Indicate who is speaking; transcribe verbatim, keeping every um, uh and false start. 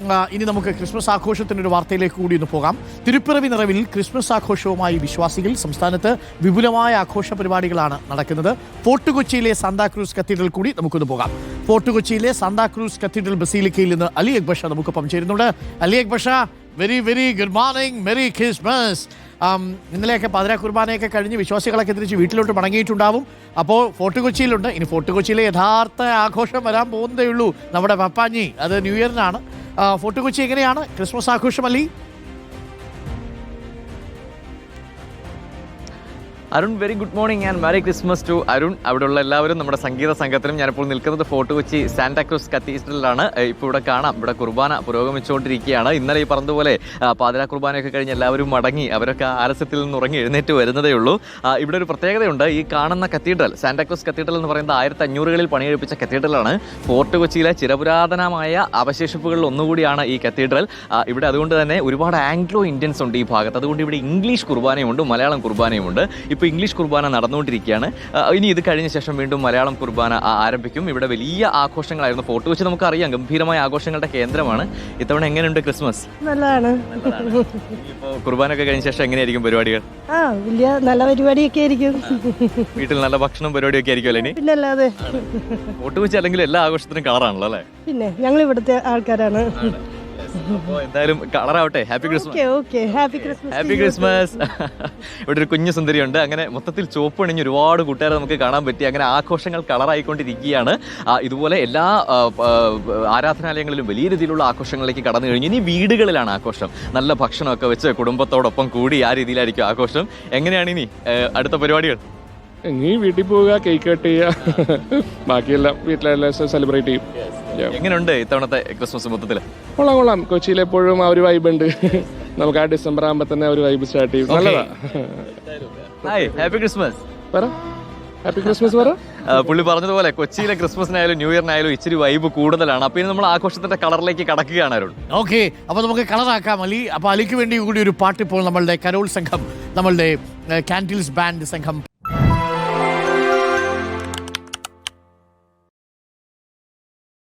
Speaker 1: ഇനി നമുക്ക് ക്രിസ്മസ് ആഘോഷത്തിനൊരു വാർത്തയിലേക്ക് കൂടി ഒന്ന് പോകാം. തിരുപ്പിറവി നിറവിൽ ക്രിസ്മസ് ആഘോഷവുമായി വിശ്വാസികൾ. സംസ്ഥാനത്ത് വിപുലമായ ആഘോഷ പരിപാടികളാണ് നടക്കുന്നത്. ഫോർട്ട് കൊച്ചിയിലെ സാന്താക്രൂസ് കത്തീഡ്രൽ കൂടി നമുക്കൊന്ന് പോകാം. ഫോർട്ട് കൊച്ചിയിലെ സാന്താക്രൂസ് കത്തീഡ്രൽ ബസീലിക്കയിൽ നിന്ന് അലി അക്ബർ ഷാ നമുക്കൊപ്പം ചേരുന്നുണ്ട്. Ali Akbar Shah, very very good morning, merry Christmas. ഇന്നലെയൊക്കെ പാതിരാ കുർബാനയൊക്കെ കഴിഞ്ഞ് വിശ്വാസികളൊക്കെ തിരിച്ച് വീട്ടിലോട്ട് മടങ്ങിയിട്ടുണ്ടാവും. അപ്പോൾ ഫോർട്ട് കൊച്ചിയിലുണ്ട്. ഇനി ഫോർട്ട് കൊച്ചിയിലെ യഥാർത്ഥ ആഘോഷം വരാൻ പോകുന്നതേ ഉള്ളൂ. നമ്മുടെ പപ്പാഞ്ഞി, അത് ന്യൂ ഇയറിനാണ്. ഫോർട്ട് കൊച്ചി എങ്ങനെയാണ് ക്രിസ്മസ് ആഘോഷം Ali?
Speaker 2: Arun, very good morning and merry Christmas to Arun. അവിടെയുള്ള എല്ലാവരും നമ്മുടെ സംഗീത സംഘത്തിനും. ഞാനിപ്പോൾ നിൽക്കുന്നത് ഫോർട്ട് കൊച്ചി സാന്താക്രൂസ് കത്തീഡ്രലിലാണ്. ഇപ്പോൾ ഇവിടെ കാണാം, ഇവിടെ കുർബാന പുരോഗമിച്ചുകൊണ്ടിരിക്കുകയാണ്. ഇന്നലെ ഈ പറഞ്ഞതുപോലെ പാതിരാ കുർബാനയൊക്കെ കഴിഞ്ഞ് എല്ലാവരും മടങ്ങി, അവരൊക്കെ ആലസ്യത്തിൽ നിന്ന് ഉറങ്ങി എഴുന്നേറ്റ് വരുന്നതേ ഉള്ളൂ. ഇവിടെ ഒരു പ്രത്യേകതയുണ്ട്. ഈ കാണുന്ന കത്തീഡ്രൽ, സാന്താക്രൂസ് കത്തീഡ്രൽ എന്ന് പറയുന്നത് ആയിരത്തി അഞ്ഞൂറുകളിൽ പണിയെടുപ്പിച്ച കത്തീഡ്രലാണ്. ഫോർട്ട് കൊച്ചിയിലെ ചിരപുരാതനമായ അവശേഷിപ്പുകളിൽ ഒന്നുകൂടിയാണ് ഈ കത്തീഡ്രൽ. ഇവിടെ അതുകൊണ്ട് തന്നെ ഒരുപാട് ആംഗ്ലോ ഇന്ത്യൻസ് ഉണ്ട് ഈ ഭാഗത്ത്. അതുകൊണ്ട് ഇവിടെ ഇംഗ്ലീഷ് കുർബാനയുണ്ട്, മലയാളം കുർബാനയുമുണ്ട്. ഇപ്പോൾ ഇംഗ്ലീഷ് കുർബാന നടന്നുകൊണ്ടിരിക്കുകയാണ്. ഇനി ഇത് കഴിഞ്ഞ ശേഷം വീണ്ടും മലയാളം കുർബാന ആരംഭിക്കും. ഇവിടെ വലിയ ആഘോഷങ്ങളായിരുന്നു. ഫോർട്ട് കൊച്ചി നമുക്കറിയാം ഗംഭീരമായ ആഘോഷങ്ങളുടെ കേന്ദ്രമാണ്. ഇത്തവണ എങ്ങനെയുണ്ട് ക്രിസ്മസ്?
Speaker 3: നല്ലതാണ്.
Speaker 2: ഇപ്പോൾ കുർബാനയൊക്കെ കഴിഞ്ഞ ശേഷം എങ്ങനെയായിരിക്കും പരിപാടികൾ?
Speaker 3: ആ, വലിയ നല്ല പരിപാടിയൊക്കെ ആയിരിക്കും.
Speaker 2: വീട്ടിൽ നല്ല ഭക്ഷണം പരിപാടിയൊക്കെ ആയിരിക്കും അല്ലേ?
Speaker 3: പിന്നെ അല്ലാതെ
Speaker 2: ഫോർട്ട് കൊച്ചി അല്ലെങ്കിൽ എല്ലാ ആഘോഷത്തിനും കളറാണല്ലോ അല്ലേ?
Speaker 3: പിന്നെ ഞങ്ങൾ ഇവിടുത്തെ ആൾക്കാരാണ്.
Speaker 2: അപ്പോൾ എന്തായാലും കളറാവട്ടെ. Happy Christmas.
Speaker 3: Happy Christmas.
Speaker 2: Happy Christmas. ഇവിടെ ഒരു കുഞ്ഞു സുന്ദരിയുണ്ട്. അങ്ങനെ മൊത്തത്തിൽ ചോപ്പണിഞ്ഞ് ഒരുപാട് കൂട്ടുകാരെ നമുക്ക് കാണാൻ പറ്റി. അങ്ങനെ ആഘോഷങ്ങൾ കളറായിക്കൊണ്ടിരിക്കുകയാണ്. ഇതുപോലെ എല്ലാ ആരാധനാലയങ്ങളിലും വലിയ രീതിയിലുള്ള ആഘോഷങ്ങളിലേക്ക് കടന്നു കഴിഞ്ഞു. ഇനി വീടുകളിലാണ് ആഘോഷം. നല്ല ഭക്ഷണമൊക്കെ വെച്ച് കുടുംബത്തോടൊപ്പം കൂടി ആ രീതിയിലായിരിക്കും ആഘോഷം. എങ്ങനെയാണ് ഇനി അടുത്ത പരിപാടികൾ?
Speaker 4: ഇനി വീട്ടിൽ പോവുക, കേക്ക് കട്ട് ചെയ്യുക, ബാക്കിയെല്ലാം വീട്ടിലെല്ലാം സെലിബ്രേറ്റ് ചെയ്യും.
Speaker 2: എങ്ങനെയുണ്ട് ഇത്തവണത്തെ ക്രിസ്മസ് മൊത്തത്തിൽ?
Speaker 4: കൊള്ളാം കൊള്ളാം. കൊച്ചിയിൽ എപ്പോഴും ആ ഒരു വൈബ് ഉണ്ട്. നമുക്ക് ആ ഡിസംബർ ആകുമ്പോൾ തന്നെ ഒരു വൈബ് സ്റ്റാർട്ട് ചെയ്യും. നല്ലതാ.
Speaker 2: Hi, happy Christmas.
Speaker 4: പറ, ഹാപ്പി ക്രിസ്മസ് പറ.
Speaker 2: പുള്ളി പറഞ്ഞതുപോലെ കൊച്ചിയിലെ ക്രിസ്മസിനായാലും ന്യൂ ഇയറിനായാലും ഇച്ചിരി വൈബ് കൂടുതലാണ്. അപ്പൊ ഇനി നമ്മൾ ആഘോഷത്തിന്റെ കളറിലേക്ക് കടക്കുകയാണ് അരുൺ.
Speaker 1: ഓക്കെ, അപ്പൊ നമുക്ക് കളറാക്കാം അലി. അപ്പൊ അലിക്ക് വേണ്ടി കൂടി ഒരു പാട്ട് ഇപ്പോൾ നമ്മളുടെ കരോൾ സംഘം, നമ്മളുടെ കാൻഡിൽസ് ബാൻഡ് സംഘം